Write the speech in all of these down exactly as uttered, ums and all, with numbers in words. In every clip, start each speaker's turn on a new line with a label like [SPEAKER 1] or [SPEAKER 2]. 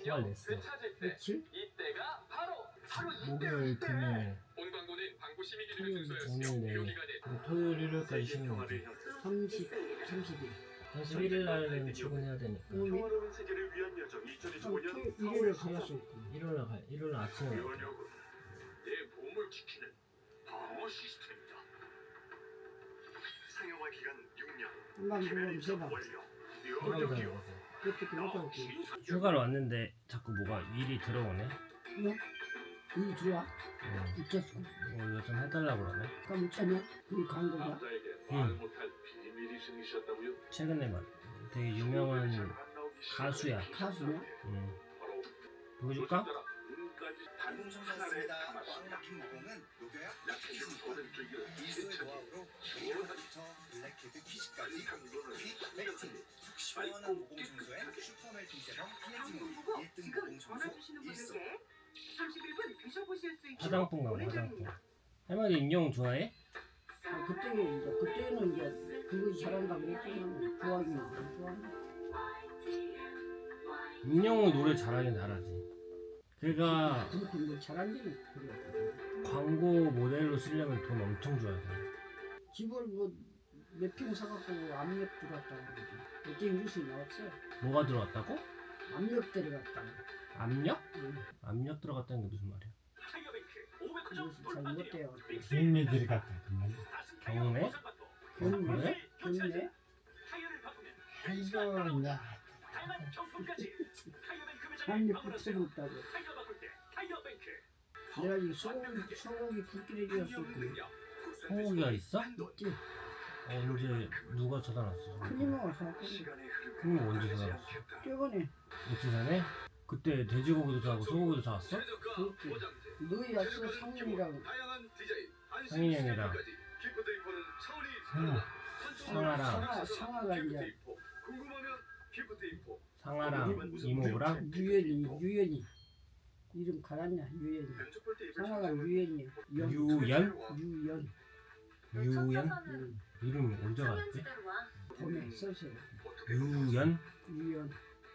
[SPEAKER 1] 화를 냈어.
[SPEAKER 2] 그렇지?
[SPEAKER 3] 이때가 바로 바로
[SPEAKER 1] 목요일, 금요일,
[SPEAKER 3] 본 광고는 광고 심의 기준을
[SPEAKER 2] 토요일,
[SPEAKER 3] 준수하였으며
[SPEAKER 1] 오늘, 내일.
[SPEAKER 3] 무효 기간에
[SPEAKER 1] 그리고 토요일, 일요일까지 쉬는 거지.
[SPEAKER 2] 삼십, 삼십일.
[SPEAKER 1] 삼십일 일 날은 출근해야 되니까.
[SPEAKER 2] 오늘
[SPEAKER 4] 평화로운 세계를 위한 여정
[SPEAKER 2] 한
[SPEAKER 4] 이천이십오 년
[SPEAKER 2] 토요일, 일요일에 가야수 있고.
[SPEAKER 1] 일요일 날 가, 일요일 날 아침에 가.
[SPEAKER 4] 요원역은 내 몸을 지키는 방어 시스템이다. 상용화 기간 육 년.
[SPEAKER 2] 한번 물어보면 세봐.
[SPEAKER 4] 완료.
[SPEAKER 1] 휴가를
[SPEAKER 4] 요원역이요.
[SPEAKER 1] 다녀가서.
[SPEAKER 2] 그때 그렇다고.
[SPEAKER 1] 휴가를 왔는데 자꾸 뭐가 일이 들어오네.
[SPEAKER 2] 뭐? 여기 들어와?
[SPEAKER 1] 어,
[SPEAKER 2] 있겠어.
[SPEAKER 1] 뭐 이거 좀 해달라고 그러네.
[SPEAKER 2] 그럼 있잖아. 그 광고가.
[SPEAKER 4] 남자에게
[SPEAKER 1] 응.
[SPEAKER 4] 말 못할 비밀이 생기셨다고요?
[SPEAKER 1] 최근에 막 되게 유명한 가수야.
[SPEAKER 2] 가수냐?
[SPEAKER 1] 응. 보여줄까?
[SPEAKER 5] 모공 청소했습니다. 꽉 막힌 모공은 녹여야 약해지니까 일소의 노하우로 슈퍼부터 블랙헤드 퀴즈까지 퀵 멜팅 속 시원한 모공 청소엔 슈퍼 멜팅 세럼 피에티몰 일 등 모공 청소 일소.
[SPEAKER 6] 삼십일 분 드셔보실 수 있도록
[SPEAKER 1] 화장품 가 화장품. 할머니 인형 좋아해?
[SPEAKER 2] 아, 그때, 이제, 그때는 이제, 그거 잘한다고 그랬지만, 좋아하긴 안 좋아하네.
[SPEAKER 1] 인형은 노래 잘하긴 잘하지. 걔가
[SPEAKER 2] 그렇게 뭐 잘하기는 그래.
[SPEAKER 1] 광고 모델로 쓰려면 돈 엄청 줘야 돼.
[SPEAKER 2] 집을 뭐, 몇 평 사갖고 압력 들어갔다고 그러지. 어제 뉴스에 나왔어.
[SPEAKER 1] 뭐가 들어갔다고?
[SPEAKER 2] 압력 들어갔다고.
[SPEAKER 1] 압력?
[SPEAKER 2] 응.
[SPEAKER 1] 압력 들어갔다는 게 무슨 말이야?
[SPEAKER 2] 그래서 잘 못돼요.
[SPEAKER 7] 비밀 들어갔다 그 말.
[SPEAKER 1] 경매?
[SPEAKER 2] 경매?
[SPEAKER 1] 그래?
[SPEAKER 2] 경매?
[SPEAKER 7] 이거 나
[SPEAKER 2] 압력 붙여줬다고. 내가 이 소고기, 소고기 굵기를 지었었고.
[SPEAKER 1] 소고기가 있어?
[SPEAKER 2] 있지?
[SPEAKER 1] 어, 언제 누가 찾아놨어?
[SPEAKER 2] 큰이모가 사갖고.
[SPEAKER 1] 그럼 언제 찾아놨어?
[SPEAKER 2] 저번에,
[SPEAKER 1] 며칠 전에? 그때 돼지고기도 사고 소고기도 사왔어?
[SPEAKER 2] 그렇지. 너희 왔어, 상민이랑.
[SPEAKER 1] 상인이 형이랑
[SPEAKER 7] 상아.
[SPEAKER 1] 상아랑
[SPEAKER 2] 상아, 상아가 이제,
[SPEAKER 1] 상아랑 이모부랑
[SPEAKER 2] 유연이, 유연이. 이름 갈았냐, 유연이. 상아가 유연이야. 연.
[SPEAKER 1] 유연?
[SPEAKER 2] 유연.
[SPEAKER 1] 유연?
[SPEAKER 2] 응.
[SPEAKER 1] 이름 언제 알았지?
[SPEAKER 2] 봄에 써서.
[SPEAKER 1] 유연?
[SPEAKER 2] 유연.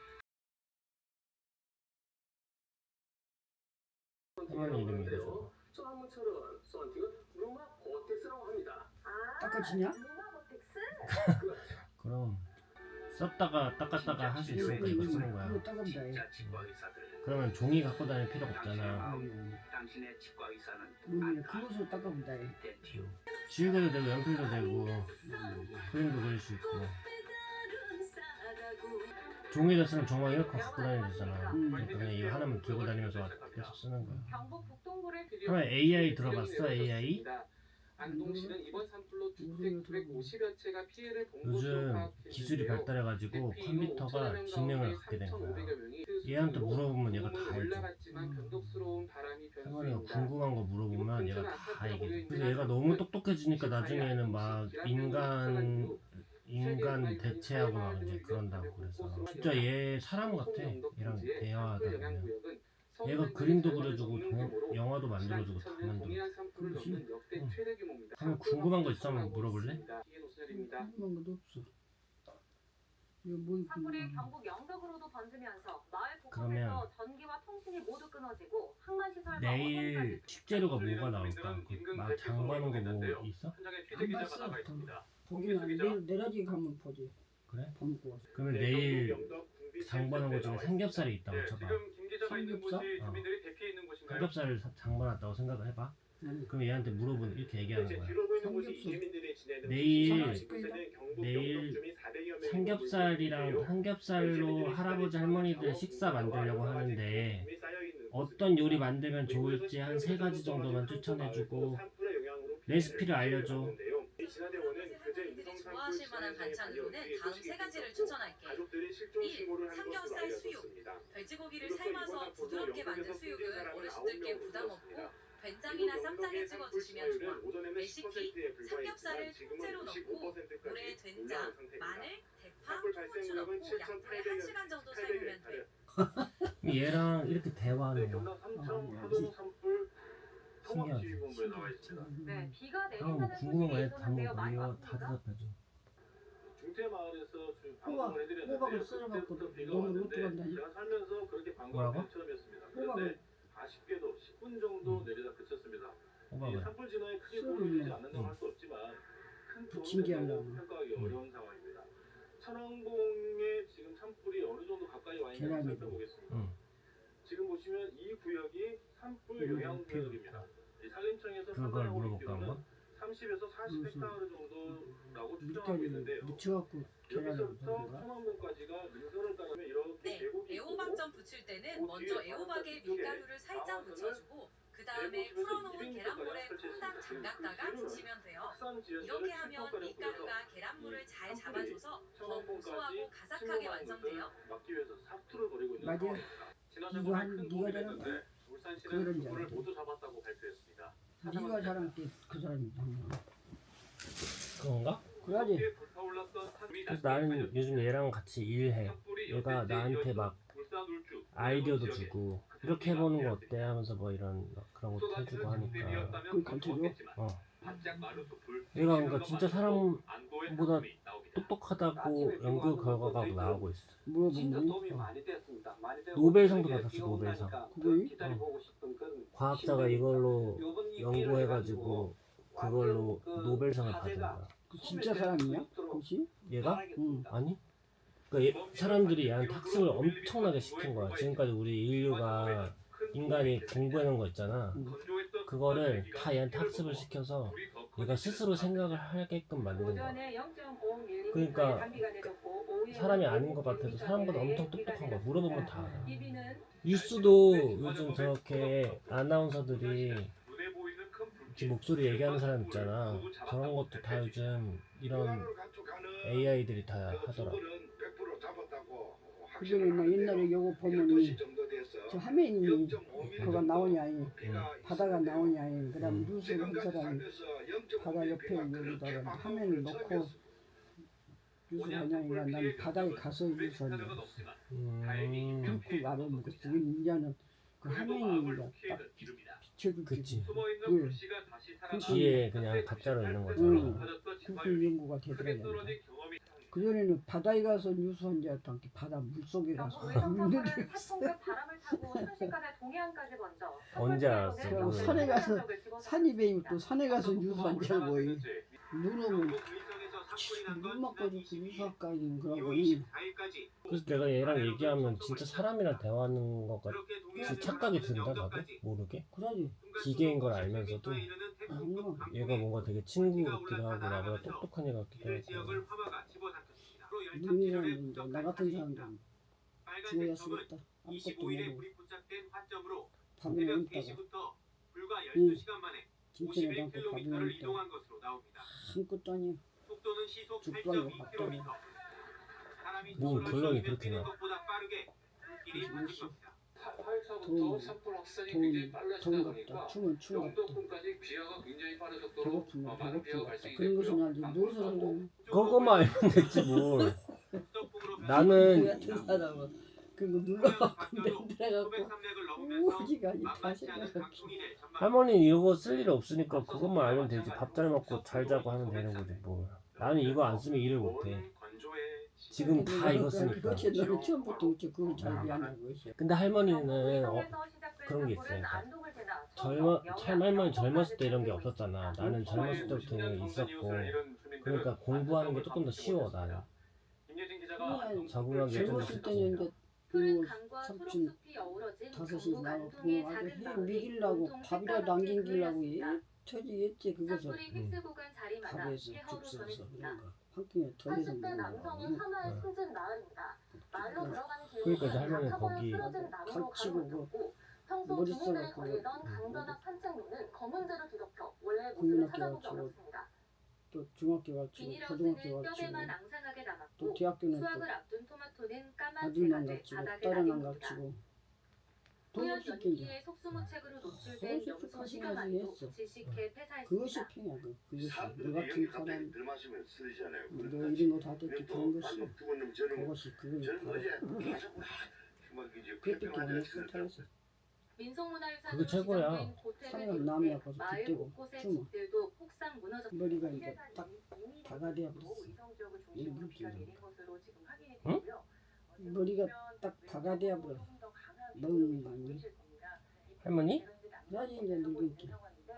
[SPEAKER 1] 할머니 이름이 이거죠.
[SPEAKER 3] 소나무처럼 썬팅은 루마 버텍스라고 합니다.
[SPEAKER 2] 닦아지냐?
[SPEAKER 1] 그럼 썼다가 닦았다가 할 수 있으니까 이거 쓰는 거야.
[SPEAKER 2] 그거 닦으면 돼.
[SPEAKER 1] 그러면 종이 갖고 다닐 필요가 없잖아.
[SPEAKER 2] 아니, 아니.
[SPEAKER 3] 당신의 치과 의사는
[SPEAKER 2] 우리는 그것으로 닦으면 돼.
[SPEAKER 1] 지우개도 되고 연필도 되고 그림도 그릴 수 있고. 종이를 쓰면 정말 이렇게 갖고 다니면 되잖아.
[SPEAKER 2] 음.
[SPEAKER 1] 그러니까 그냥 이거 하나만 들고 다니면서 계속 쓰는 거야.
[SPEAKER 6] 경북 북동구를
[SPEAKER 1] 그러면 에이아이 들어봤어? 에이아이?
[SPEAKER 3] 안동시는 이번 산불로 주택 구백오십여 채가 피해를 본 것으로
[SPEAKER 1] 요즘
[SPEAKER 3] 파악됐는데요.
[SPEAKER 1] 기술이 발달해가지고 컴퓨터가 지능을 갖게 된 거야. 얘한테 물어보면 얘가 다 알죠. 할머니가 궁금한 거 물어보면 얘가 다 얘기해. 그래서 얘가 너무 똑똑해지니까 나중에는 막 인간 인간 대체하고 막 이제 그런다고 그래서 진짜 얘 사람 같아. 얘랑 대화하다 보면 얘가 그림도 그려주고 동, 영화도 만들어주고 다 만들어.
[SPEAKER 2] 그렇지.
[SPEAKER 1] 응. 한번 궁금한 거 있으면 물어볼래?
[SPEAKER 2] 궁금한 것도 없어. 이거 뭐
[SPEAKER 6] 산불이
[SPEAKER 2] 궁금한 거.
[SPEAKER 6] 경북 영덕으로도 번지면서 마을
[SPEAKER 1] 그러면
[SPEAKER 6] 곳곳에서 전기와 통신이 모두 끊어지고 항만시설과
[SPEAKER 1] 내일
[SPEAKER 6] 어선까지
[SPEAKER 1] 식재료가 뭐가 나올까? 그 장봐놓은 거 뭐 있어?
[SPEAKER 2] 안 봤어. 보기는 안 돼. 내려지 가면 보지.
[SPEAKER 1] 그래?
[SPEAKER 2] 밥 먹고 와서.
[SPEAKER 1] 그러면 내일 장봐놓은 거 중에 삼겹살이 있다고 쳐봐.
[SPEAKER 2] 삼겹살?
[SPEAKER 1] 어. 삼겹살을 사- 장봐놨다고 생각을 해봐.
[SPEAKER 2] 아니.
[SPEAKER 1] 그럼 얘한테 물어보면 이렇게 얘기하는 거야.
[SPEAKER 2] 삼겹살.
[SPEAKER 1] 내일 내일 삼겹살이랑 삼겹살로 할아버지 할머니들 식사 만들려고 하는데 어떤 요리 만들면 좋을지 한 세 가지 정도만 추천해주고 레시피를 알려줘.
[SPEAKER 8] 사람들이 좋아하실 만한 반찬으로는 다음 세 가지를 추천할게. 일. 삼겹살 수육. 돼지고기를 삶아서 부드럽게 만든 수육은 어르신들께 부담 없고 된장이나 쌈장에 찍어 드시면 좋아. 레시피: 삼겹살을 통째로 넣고 물에 된장, 마늘, 대파, 통후추 넣고 약불에 한 시간 정도 삶으면 돼.
[SPEAKER 1] 얘랑 이렇게 대화하는 거 신기하지?
[SPEAKER 6] 네, 비가
[SPEAKER 1] 형
[SPEAKER 6] 내린다는
[SPEAKER 1] 궁금한 거
[SPEAKER 6] 소식이
[SPEAKER 1] 해. 다
[SPEAKER 6] 있었는데요. 많이
[SPEAKER 1] 물어 다
[SPEAKER 6] 왔습니다.
[SPEAKER 1] 대답해줘.
[SPEAKER 3] 구태 마을에서 주-
[SPEAKER 2] 호박,
[SPEAKER 3] 방송을 해드렸는데
[SPEAKER 2] 호박을 썰어갖고
[SPEAKER 3] 그때부터 비가
[SPEAKER 2] 너무 못
[SPEAKER 3] 왔는데
[SPEAKER 2] 들어간다니.
[SPEAKER 3] 제가 살면서 그렇게 방광을
[SPEAKER 1] 뭐라고?
[SPEAKER 3] 뺀 처음이었습니다.
[SPEAKER 2] 호박을
[SPEAKER 3] 그런데 아쉽게도 십 분 정도
[SPEAKER 1] 음.
[SPEAKER 3] 내리다 그쳤습니다. 이
[SPEAKER 1] 호박을.
[SPEAKER 3] 산불 진화에 크게
[SPEAKER 2] 썰어
[SPEAKER 3] 도움이 되지
[SPEAKER 2] 놓으면.
[SPEAKER 3] 않는다고
[SPEAKER 1] 음.
[SPEAKER 3] 할 수 없지만 큰 도움이
[SPEAKER 2] 부침개
[SPEAKER 3] 된다고
[SPEAKER 2] 하려고.
[SPEAKER 3] 평가하기
[SPEAKER 1] 음.
[SPEAKER 3] 어려운 상황입니다. 천왕봉에 지금 산불이 어느 정도 가까이 와 있는지
[SPEAKER 2] 계란이고.
[SPEAKER 3] 살펴보겠습니다.
[SPEAKER 1] 응.
[SPEAKER 3] 지금 보시면 이 구역이 산불
[SPEAKER 2] 음,
[SPEAKER 3] 영향 구역입니다. 이 산림청에서
[SPEAKER 1] 그걸
[SPEAKER 3] 판단하고
[SPEAKER 1] 물어볼까
[SPEAKER 3] 있기로는
[SPEAKER 1] 한번?
[SPEAKER 3] 삼십에서 사십
[SPEAKER 2] 무슨
[SPEAKER 3] 헥타르 정도라고 추정하고
[SPEAKER 2] 밀가루
[SPEAKER 3] 있는데요.
[SPEAKER 2] 묻혀갖고 계란을
[SPEAKER 3] 여기서부터
[SPEAKER 2] 먹는가?
[SPEAKER 3] 천왕봉까지가 능선을 따르면 이렇게
[SPEAKER 8] 네,
[SPEAKER 3] 계곡이
[SPEAKER 8] 애호박전 부칠 때는
[SPEAKER 3] 그
[SPEAKER 8] 먼저
[SPEAKER 3] 뒤에
[SPEAKER 8] 애호박에
[SPEAKER 3] 바로
[SPEAKER 8] 밀가루를 살짝
[SPEAKER 3] 나와서는
[SPEAKER 8] 묻혀주고 그 다음에 풀어놓은 계란물에 퐁당 잠갔다가 부치면 돼요.
[SPEAKER 3] 확산 지역을
[SPEAKER 8] 이렇게 하면
[SPEAKER 3] 칠성가량
[SPEAKER 8] 밀가루가
[SPEAKER 3] 뿌려서
[SPEAKER 8] 계란물을 잘
[SPEAKER 3] 산불이
[SPEAKER 8] 잡아줘서 더
[SPEAKER 3] 천왕봉까지
[SPEAKER 8] 고소하고 가삭하게
[SPEAKER 3] 침범하는
[SPEAKER 8] 완성돼요.
[SPEAKER 3] 것을 막기 위해서 사투를 벌이고 있는
[SPEAKER 2] 맞아요.
[SPEAKER 3] 상황입니다. 지난
[SPEAKER 2] 이거
[SPEAKER 3] 주말
[SPEAKER 2] 한-
[SPEAKER 3] 큰
[SPEAKER 2] 네가
[SPEAKER 3] 도움이
[SPEAKER 2] 잘한
[SPEAKER 3] 됐는데 울산시는
[SPEAKER 2] 그런
[SPEAKER 3] 두
[SPEAKER 2] 줄
[SPEAKER 3] 분을
[SPEAKER 2] 알았네.
[SPEAKER 3] 모두 잡았다고 발표했습니다.
[SPEAKER 2] 네가 잘한 게 그 사람이
[SPEAKER 1] 그건가?
[SPEAKER 2] 그래야지.
[SPEAKER 3] 뒤에 불타올랐던 산불이
[SPEAKER 1] 그래서 나는 요즘 얘랑 같이 일해.
[SPEAKER 3] 산불이
[SPEAKER 1] 얘가
[SPEAKER 3] 연쇄
[SPEAKER 1] 나한테 막
[SPEAKER 3] 울산 울주
[SPEAKER 1] 아이디어도
[SPEAKER 3] 지역에
[SPEAKER 1] 주고 이렇게 해보는 거 어때 하면서 뭐 이런 막 그런 것도 해주고 하니까
[SPEAKER 2] 그걸 가르쳐줘?
[SPEAKER 1] 어
[SPEAKER 3] 바짝 마른 숲을
[SPEAKER 1] 얘가 그러니까 진짜 사람보다
[SPEAKER 3] 안도의 작품이 나옵니다.
[SPEAKER 1] 똑똑하다고 연구 결과가 나오고 있어.
[SPEAKER 2] 물어보면
[SPEAKER 9] 도움이 많이 됐습니다. 많이 되고
[SPEAKER 1] 노벨상도
[SPEAKER 9] 그게
[SPEAKER 1] 받았어,
[SPEAKER 9] 비가
[SPEAKER 1] 노벨상.
[SPEAKER 9] 온다니까
[SPEAKER 2] 그거요?
[SPEAKER 9] 기다려보고 싶은 그런
[SPEAKER 1] 과학자가
[SPEAKER 9] 심정이
[SPEAKER 1] 이걸로
[SPEAKER 9] 있거든요. 요번 이
[SPEAKER 1] 연구해가지고 그걸로
[SPEAKER 9] 그
[SPEAKER 1] 노벨상을 받은
[SPEAKER 9] 화제가
[SPEAKER 1] 거야.
[SPEAKER 2] 그 진짜 사람이야? 그렇지?
[SPEAKER 1] 얘가?
[SPEAKER 2] 응.
[SPEAKER 1] 아니? 그러니까 얘, 사람들이 얘한테 학습을 엄청나게 시킨 거야. 지금까지 우리 인류가 인간이 공부해놓은 거 있잖아.
[SPEAKER 2] 응.
[SPEAKER 1] 그거를 다 얘한테 학습을 시켜서 얘가 스스로 생각을 하게끔 만든 거야.
[SPEAKER 6] 오전에 영 점 오 밀리미터의
[SPEAKER 1] 그러니까
[SPEAKER 6] 단비가 내렸고 오후에
[SPEAKER 1] 사람이 아닌 것
[SPEAKER 6] 오
[SPEAKER 1] 같아도 사람보다
[SPEAKER 6] 밀리미터의
[SPEAKER 1] 엄청 똑똑한
[SPEAKER 6] 비가
[SPEAKER 1] 거야. 물어보면
[SPEAKER 6] 내렸습니다.
[SPEAKER 1] 다 알아.
[SPEAKER 6] 비비는
[SPEAKER 1] 뉴스도 요즘 저렇게 아나운서들이 지금 목소리 얘기하는 사람 있잖아. 저런 것도 다 요즘 이런 에이아이들이 다 하더라.
[SPEAKER 2] 그전에 나 옛날에 요거 보면은 저 화면이 그거 나오냐 이 바다가 나오냐 이 그다음 뉴스를 한 사람이 바다 옆에 여기다가 화면을 놓고 뉴스 하냐니까 난 바다에 가서 뉴스 하냐
[SPEAKER 1] 음,
[SPEAKER 2] 그 말을 먹었어. 이제는 그 화면이 딱 비춰주지.
[SPEAKER 1] 그치.
[SPEAKER 2] 그
[SPEAKER 1] 뒤에 그냥 가짜로 있는
[SPEAKER 2] 응.
[SPEAKER 1] 거잖아.
[SPEAKER 2] 그게 연구가 되더라고요. 그전에는 바다에 가서 뉴스 한 줄 알았던 게 바다 물속에 가서
[SPEAKER 6] 의성
[SPEAKER 2] 있는
[SPEAKER 6] 사건은
[SPEAKER 2] 게
[SPEAKER 6] 태풍과 바람을 타고 순식간에 동해안까지 번져
[SPEAKER 1] 언제 알았어?
[SPEAKER 2] 그럼
[SPEAKER 1] 그거는?
[SPEAKER 2] 산에 가서 산이 베이면 또 산에 가서 뉴스 한 줄 알고 이 눈 오면 눈 맞고 뉴스 할까지 그러고 이
[SPEAKER 1] 그래서 내가 얘랑 얘기하면 진짜 사람이랑 대화하는 것 같이 착각이 든다 나도 모르게.
[SPEAKER 2] 그러지.
[SPEAKER 1] 기계인 걸 알면서도
[SPEAKER 2] 아니요.
[SPEAKER 1] 얘가 뭔가 되게 친구 같기도 하고 나보다 똑똑한 애 같기도 하고.
[SPEAKER 2] 눈이라는 이제 나 같은 사람들은 죽어야 쓰겠다. 아무것도 모르고 밥을 먹다가 응. 진천에 가고 밥을 먹다가 아무것도 아니야. 죽방이고 밥도 아니야.
[SPEAKER 1] 뭔 결론이 그렇게 나.
[SPEAKER 3] 팔월초부터 산불 확산이 굉장히 빨라지다
[SPEAKER 2] 더운
[SPEAKER 3] 보니까
[SPEAKER 2] 같다. 추면 추운 같다.
[SPEAKER 3] 영도권까지 비화가 굉장히 빠른 속도로
[SPEAKER 2] 배고프면
[SPEAKER 3] 어, 많은 비화가
[SPEAKER 2] 배고픈 같다.
[SPEAKER 3] 발생이
[SPEAKER 2] 그런 것은
[SPEAKER 3] 됐고요.
[SPEAKER 2] 알지. 무엇을 알고
[SPEAKER 1] 그거만 알면 됐지 뭘. 나는
[SPEAKER 2] 같은 사람은 그거 눌러갖고 만들어갖고 우지가 다 생겨갖고
[SPEAKER 1] 할머니는 이거 쓸 일이 없으니까 그것만 알면 되지. 밥 잘 먹고 잘 자고 하면 되는 거지 뭘. 나는 이거 안 쓰면 일을 못해. 지금 다 이거 쓰니까.
[SPEAKER 2] 그렇지. 너는 처음부터 어째 그걸 잘 미안하고 있어.
[SPEAKER 1] 근데 할머니는 어, 그런 게 있어요. 젊어, 참 할머니 젊었을 때 이런 게 없었잖아. 나는 젊었을 때부터 이런 게 있었고. 그러니까 공부하는 게 조금 더 쉬워 나는. 적응하기 좀
[SPEAKER 2] 젊었을
[SPEAKER 1] 쉽지.
[SPEAKER 2] 때는 이제
[SPEAKER 6] 푸른
[SPEAKER 2] 그
[SPEAKER 6] 강과
[SPEAKER 2] 삼촌
[SPEAKER 6] 초록숲이 어우러진
[SPEAKER 2] 다섯 시
[SPEAKER 6] 경북
[SPEAKER 2] 나고
[SPEAKER 6] 안동의
[SPEAKER 2] 부모 아주
[SPEAKER 6] 작은
[SPEAKER 2] 해
[SPEAKER 6] 마을이
[SPEAKER 2] 먹이려고
[SPEAKER 6] 온통
[SPEAKER 2] 밥이라도
[SPEAKER 6] 색깔없게
[SPEAKER 2] 남기려고
[SPEAKER 6] 보였습니다.
[SPEAKER 2] 처지했지 그것을
[SPEAKER 6] 산불이 휘슬 구간 자리마다
[SPEAKER 2] 밥에서
[SPEAKER 6] 폐허로
[SPEAKER 2] 죽 써서
[SPEAKER 6] 전해집니다.
[SPEAKER 2] 그런 거 한 끼에 더 이상
[SPEAKER 6] 팔십 대
[SPEAKER 2] 먹는
[SPEAKER 6] 남성이
[SPEAKER 2] 거
[SPEAKER 6] 사마을
[SPEAKER 1] 응.
[SPEAKER 6] 숨진 마을입니다. 마을로 들어가는
[SPEAKER 1] 그러니까 이제 할머니는
[SPEAKER 6] 길목은
[SPEAKER 1] 거기
[SPEAKER 6] 쓰러진 나무로
[SPEAKER 2] 걸치고
[SPEAKER 6] 가로막혔고 평소
[SPEAKER 2] 머리
[SPEAKER 6] 주민들이
[SPEAKER 2] 써갖고
[SPEAKER 6] 걸리던
[SPEAKER 2] 응.
[SPEAKER 6] 강변학 산책로는 검은재로 뒤덮여 원래 모습을
[SPEAKER 2] 국민학교
[SPEAKER 6] 찾아보기
[SPEAKER 2] 가르치고
[SPEAKER 6] 어렵습니다.
[SPEAKER 2] 또 중학교 가르치고
[SPEAKER 6] 비닐하우스는
[SPEAKER 2] 고등학교 가르치고
[SPEAKER 6] 뼈대만 앙상하게
[SPEAKER 2] 또
[SPEAKER 6] 남았고
[SPEAKER 2] 대학교는 또
[SPEAKER 6] 수확을 앞둔 토마토는 까만
[SPEAKER 2] 아들만
[SPEAKER 6] 재가 돼
[SPEAKER 2] 가르치고
[SPEAKER 6] 바닥에
[SPEAKER 2] 딸은 안
[SPEAKER 6] 나뉩니다.
[SPEAKER 2] 가르치고
[SPEAKER 6] 후년
[SPEAKER 2] 돈이 없을 게 이제
[SPEAKER 6] 연기에 속수무책으로 노출된
[SPEAKER 2] 그것이
[SPEAKER 6] 염소
[SPEAKER 2] 그것이
[SPEAKER 6] 시가만도
[SPEAKER 2] 했어.
[SPEAKER 6] 질식해
[SPEAKER 2] 그것이
[SPEAKER 6] 폐사했습니다.
[SPEAKER 2] 팽이야 그, 그것이
[SPEAKER 4] 사람들이
[SPEAKER 2] 너 같은
[SPEAKER 4] 여기 갑자기
[SPEAKER 2] 사람
[SPEAKER 4] 들마시면 쓰리잖아요.
[SPEAKER 2] 너 이런 거 다 됐지 그런 것이
[SPEAKER 4] 죽었는 저는
[SPEAKER 2] 그것이 그거야
[SPEAKER 4] 저는
[SPEAKER 2] 바로
[SPEAKER 4] 어제 계속 막 이제
[SPEAKER 2] 그때밖에 안
[SPEAKER 4] 캠핑하자
[SPEAKER 2] 했어 잘했어
[SPEAKER 6] 민속문화유산으로
[SPEAKER 1] 그게 최고야.
[SPEAKER 6] 지정된 고택을
[SPEAKER 2] 산에
[SPEAKER 6] 비롯해
[SPEAKER 2] 남이 아파서
[SPEAKER 6] 마을
[SPEAKER 2] 빗대고
[SPEAKER 6] 곳곳의
[SPEAKER 2] 춤어.
[SPEAKER 6] 집들도 폭삭 무너졌습니다.
[SPEAKER 2] 머리가 이제 딱 다가대야 버렸어.
[SPEAKER 1] 응?
[SPEAKER 2] 머리가 딱 다가대야 버려. 너무 많이.
[SPEAKER 1] 할머니?
[SPEAKER 2] 나이 이제 늙은기.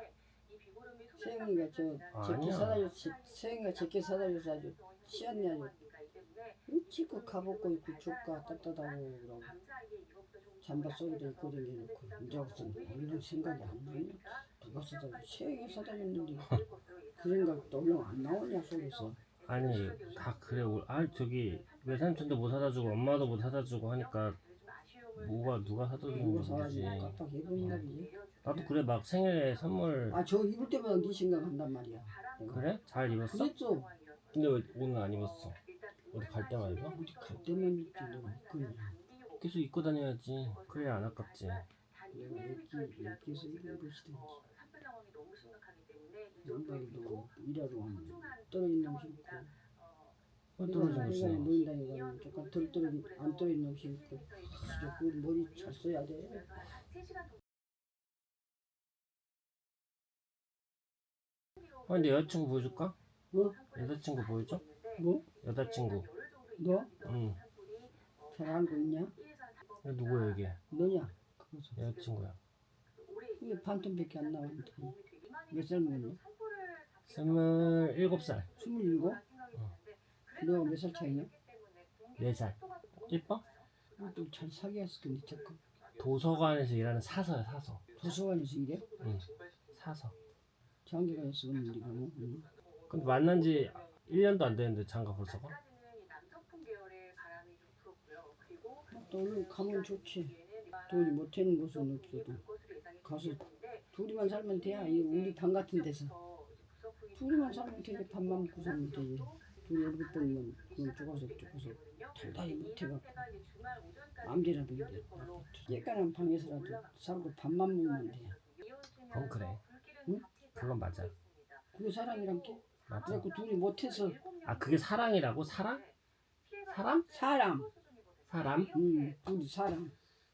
[SPEAKER 2] 세영이가 저 제끼
[SPEAKER 1] 아니야.
[SPEAKER 2] 사다 줬 세영이가 제끼 사다 줘서 아주 치웠네 아주. 일찍 가복고 입고 조카 따뜻하고 그러고 잠바 속에다 입고 다녀놓고 이제 무슨 얼른 생각이 안 나냐. 누가 사다 줘. 세영이 사다 줬는데 그 생각도 얼른 안 나오냐 속에서.
[SPEAKER 1] 아니 다 그래. 아 저기 외삼촌도 못 사다 주고 엄마도 못 사다 주고 하니까 뭐가 누가 사다 주는
[SPEAKER 2] 누가
[SPEAKER 1] 거지.
[SPEAKER 2] 사가지고 깜빡해버린다 그지.
[SPEAKER 1] 나도 그래 막 생일에 선물.
[SPEAKER 2] 아 저 입을 때마다 네 생각한단 말이야.
[SPEAKER 1] 그래? 잘 입었어?
[SPEAKER 2] 그랬어.
[SPEAKER 1] 근데 왜 오늘 안 입었어? 어디 갈 때만 입어?
[SPEAKER 2] 어디 갈 때만 입지 내가 그냥.
[SPEAKER 1] 계속 입고 다녀야지. 그래야 안 아깝지.
[SPEAKER 2] 내가 애기 애기에서 입은 것이든지. 양말도 일하러 가면 떨어진 놈 신고.
[SPEAKER 1] 왜 떨어진 거지?
[SPEAKER 2] 시간에 노인 다니고 조금 덜 떨어진 안 떨어진 놈 신고. 아, 그 머리 잘 써야 돼.
[SPEAKER 1] 아 근데 여자친구 보여줄까?
[SPEAKER 2] 뭐?
[SPEAKER 1] 여자친구 보여줘?
[SPEAKER 2] 뭐?
[SPEAKER 1] 여자친구.
[SPEAKER 2] 너?
[SPEAKER 1] 응.
[SPEAKER 2] 잘 알고 있냐?
[SPEAKER 1] 이거 누구야 이게?
[SPEAKER 2] 너냐? 그거서.
[SPEAKER 1] 여자친구야.
[SPEAKER 2] 이게 반톤밖에 안 나오는데. 몇 살 먹었냐?
[SPEAKER 1] 스물일곱 살.
[SPEAKER 2] 스물일곱? 너가 몇 살 차이냐?
[SPEAKER 1] 네 살. 예뻐?
[SPEAKER 2] 좀 잘 사귀었을 텐데 자꾸.
[SPEAKER 1] 도서관에서 일하는 사서야 사서.
[SPEAKER 2] 도서관에서 일해?
[SPEAKER 1] 응. 사서.
[SPEAKER 2] 장기가에서 오는 일이가 뭐? 응.
[SPEAKER 1] 근데 만난 지 일 년도 안 됐는데 장가 벌써 가?
[SPEAKER 2] 또 얼른 가면 좋지. 돈이 못하는 곳은 없어도 가서 둘이만 살면 돼. 이 우리 방 같은 데서 둘이만 살면 되지. 밥만 먹고 살면 되지. 둘이 월급 벌면 그건 쪼가서 쪼가서 달달이 못해갖고 마음대로도 이제 예간한 방에서라도 살고 밥만 먹으면 돼.
[SPEAKER 1] 그건 그래.
[SPEAKER 2] 응?
[SPEAKER 1] 그건 맞아.
[SPEAKER 2] 그게 사랑이란 게?
[SPEAKER 1] 맞아.
[SPEAKER 2] 그래갖고 둘이 못해서
[SPEAKER 1] 아 그게 사랑이라고? 사랑? 사람?
[SPEAKER 2] 사람.
[SPEAKER 1] 사람?
[SPEAKER 2] 응, 둘이 사람.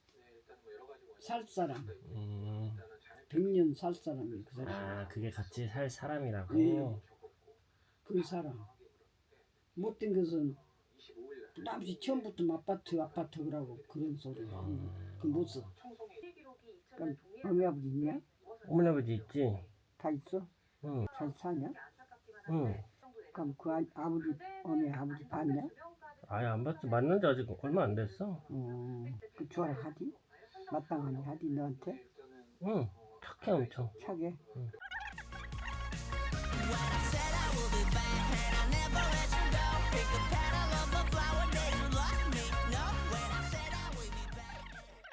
[SPEAKER 2] 살 사람.
[SPEAKER 1] 음.
[SPEAKER 2] 백년 살 사람이 그 사람.
[SPEAKER 1] 아 그게 같이 살 사람이라고?
[SPEAKER 2] 네. 그 사람. 못된 것은 아버지 처음부터 아파트 아파트 그러고 그런 소리.
[SPEAKER 1] 음.
[SPEAKER 2] 그 못 써. 그럼 어머니 아버지 있냐?
[SPEAKER 1] 어머니 아버지 있지?
[SPEAKER 2] 다 있어?
[SPEAKER 1] 응.
[SPEAKER 2] 잘 사냐?
[SPEAKER 1] 응.
[SPEAKER 2] 그럼 그 아, 아버지 어머니 아버지 봤냐?
[SPEAKER 1] 아예 안 봤지. 만난 지 아직 얼마 안 됐어.
[SPEAKER 2] 어, 그 좋아라 하디? 마땅하니 하디 너한테?
[SPEAKER 1] 응. 착해 엄청.
[SPEAKER 2] 차게?
[SPEAKER 1] 응.
[SPEAKER 10] What I said I will be back and I never